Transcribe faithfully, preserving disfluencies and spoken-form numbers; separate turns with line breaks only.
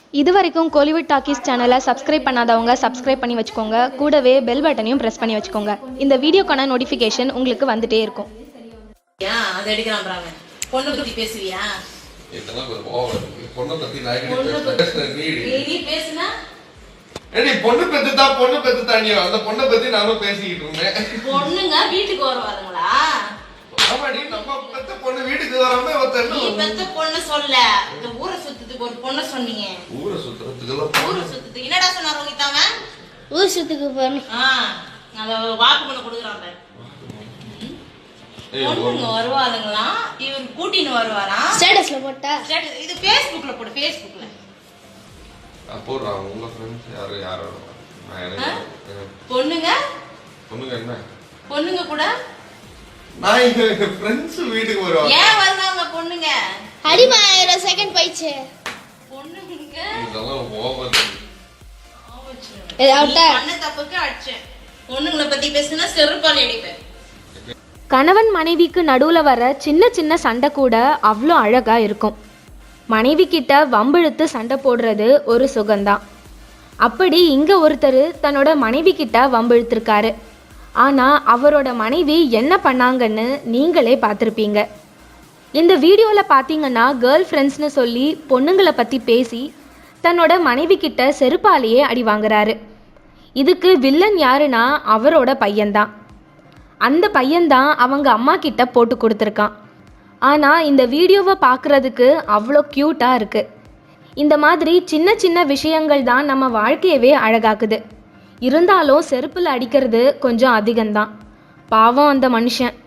இது வரைக்கும் Kollywood talkies சேனலை சப்ஸ்கிரைப் பண்ணாதவங்க சப்ஸ்கிரைப் பண்ணி வச்சுக்கோங்க. கூடவே பெல் பட்டனையும் ப்ரெஸ் பண்ணி வச்சுக்கோங்க. இந்த வீடியோக்கான நோட்டிஃபிகேஷன் உங்களுக்கு வந்துட்டே இருக்கும்.
அது எடுக்கலாம் பாருங்க. பொண்ணு பத்தி பேசுவியா?
இதெல்லாம் ஒரு ஓவர் இருக்கு. பொண்ணு பத்தி நான் பேசுற நீடி.
நீ பேசுனா?
ஏடி பொண்ணு பெத்துட்டா பொண்ணு பெத்துட்டானியோ அந்த பொண்ணை பத்தி நானும் பேசிக்கிட்டு இருந்தேன்.
பொண்ணுங்க வீட்டுக்கு வருவாங்களா?
ஆமாடி நம்ம பெத்த பொண்ணு வீட்டுக்கு வராம ஒருத்தர்
நீ பெத்த பொண்ணு சொல்ல. இந்த ஊரை சுத்துறதுக்கு ஒரு பொண்ணு சொன்னீங்க.
ஊரை சுத்துறதுக்கு
ஊரை சுத்துறதுக்கு என்னடா சொன்னாரு உங்கிட்டாங்க?
ஊர் சுத்துக்கு போறேன்.
ஆ அத வாக்கு பண்ண கொடுக்குறாங்க. பொண்ணுங்க வருவாளுங்களா? இவர் கூட்டின்னு வருவாரா?
ஸ்டேட்டஸ்ல போட்டா?
ஸ்டேட்டஸ் இது Facebookல போடு. Facebookல
போடுறா உங்க ஃப்ரெண்ட்ஸ் யாரு யாரோ
பொண்ணுங்க
பொண்ணுங்க என்ன
பொண்ணுங்க கூட
நான் எங்க ஃப்ரெண்ட்ஸ் வீட்டுக்கு வருவாங்க.
ஏன் வருவாங்க பொண்ணுங்க?
அடிமா இருபது செகண்ட் போயிடுச்சு.
பொண்ணுங்க
இதெல்லாம் ஓவர்.
ஏதாவது
பண்ண தப்புக்கு அடிச்சேன். பொண்ணுங்களை பத்தி பேசினா செருப்பால் அடிப்பேன்.
கணவன் மனைவிக்கு நடுவில் வர சின்ன சின்ன சண்டை கூட அவ்வளோ அழகாக இருக்கும். மனைவி கிட்ட வம்பிழுத்து சண்டை போடுறது ஒரு சுகம்தான். அப்படி இங்கே ஒருத்தர் தன்னோட மனைவி கிட்ட வம்பிழுத்திருக்காரு. ஆனால் அவரோட மனைவி என்ன பண்ணாங்கன்னு நீங்களே பார்த்துருப்பீங்க. இந்த வீடியோவில் பார்த்தீங்கன்னா கேர்ள் ஃப்ரெண்ட்ஸ்னு சொல்லி பொண்ணுங்களை பற்றி பேசி தன்னோட மனைவி கிட்ட செருப்பாலேயே அடி வாங்குறாரு. இதுக்கு வில்லன் யாருன்னா அவரோட பையன்தான். அந்த பையன்தான் அவங்க அம்மா கிட்ட போட்டு கொடுத்துருக்கான். ஆனால் இந்த வீடியோவை பார்க்குறதுக்கு அவ்வளோ க்யூட்டாக இருக்குது. இந்த மாதிரி சின்ன சின்ன விஷயங்கள் தான் நம்ம வாழ்க்கையவே அழகாக்குது. இருந்தாலும் செருப்பில் அடிக்கிறது கொஞ்சம் அதிகம்தான். பாவம் அந்த மனுஷன்.